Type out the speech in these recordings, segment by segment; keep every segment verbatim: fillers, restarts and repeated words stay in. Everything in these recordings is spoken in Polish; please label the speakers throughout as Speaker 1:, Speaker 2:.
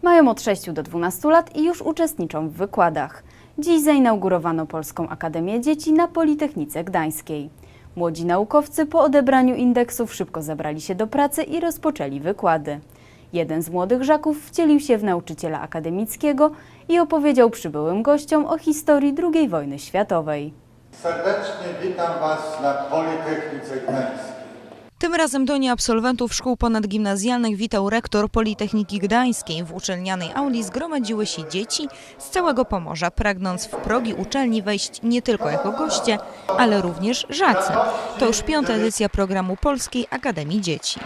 Speaker 1: Mają od sześciu do dwunastu lat i już uczestniczą w wykładach. Dziś zainaugurowano Polską Akademię Dzieci na Politechnice Gdańskiej. Młodzi naukowcy po odebraniu indeksów szybko zabrali się do pracy i rozpoczęli wykłady. Jeden z młodych żaków wcielił się w nauczyciela akademickiego i opowiedział przybyłym gościom o historii drugiej wojny światowej.
Speaker 2: Serdecznie witam Was na Politechnice Gdańskiej.
Speaker 3: Tym razem do nieabsolwentów szkół ponadgimnazjalnych witał rektor Politechniki Gdańskiej. W uczelnianej auli zgromadziły się dzieci z całego Pomorza, pragnąc w progi uczelni wejść nie tylko jako goście, ale również żacy. To już piąta edycja programu Polskiej Akademii Dzieci.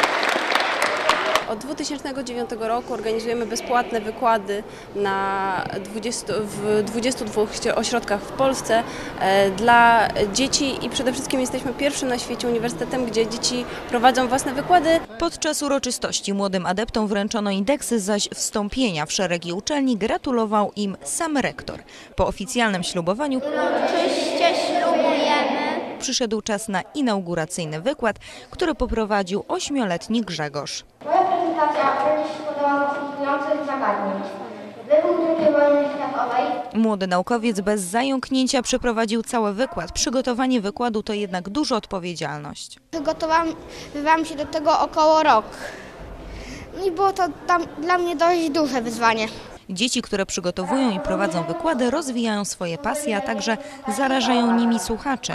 Speaker 4: Od dwa tysiące dziewiątego roku organizujemy bezpłatne wykłady na dwudziestu, w dwudziestu dwóch ośrodkach w Polsce dla dzieci i przede wszystkim jesteśmy pierwszym na świecie uniwersytetem, gdzie dzieci prowadzą własne wykłady.
Speaker 3: Podczas uroczystości młodym adeptom wręczono indeksy, zaś wstąpienia w szeregi uczelni gratulował im sam rektor. Po oficjalnym ślubowaniu
Speaker 5: Uroczyście ślubujemy.
Speaker 3: przyszedł czas na inauguracyjny wykład, który poprowadził ośmioletni Grzegorz.
Speaker 5: Moja prezentacja będzie się składała z następujących zagadnień. Wybuch drugiej wojny światowej.
Speaker 3: Młody naukowiec bez zająknięcia przeprowadził cały wykład. Przygotowanie wykładu to jednak duża odpowiedzialność.
Speaker 5: Przygotowywałam się do tego około rok. No i było to tam dla mnie dość duże wyzwanie.
Speaker 3: Dzieci, które przygotowują i prowadzą wykłady, rozwijają swoje pasje, a także zarażają nimi słuchaczy.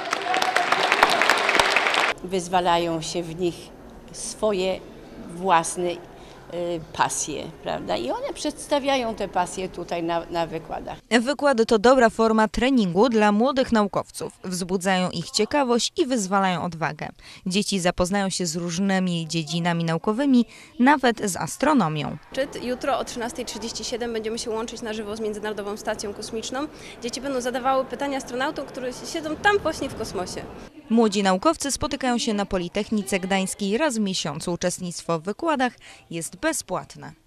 Speaker 6: Wyzwalają się w nich swoje własne y, pasje, prawda? I one przedstawiają te pasje tutaj na, na wykładach.
Speaker 3: Wykłady to dobra forma treningu dla młodych naukowców. Wzbudzają ich ciekawość i wyzwalają odwagę. Dzieci zapoznają się z różnymi dziedzinami naukowymi, nawet z astronomią.
Speaker 4: Jutro o trzynastej trzydzieści siedem będziemy się łączyć na żywo z Międzynarodową Stacją Kosmiczną. Dzieci będą zadawały pytania astronautom, którzy siedzą tam właśnie w kosmosie.
Speaker 3: Młodzi naukowcy spotykają się na Politechnice Gdańskiej raz w miesiącu. Uczestnictwo w wykładach jest bezpłatne.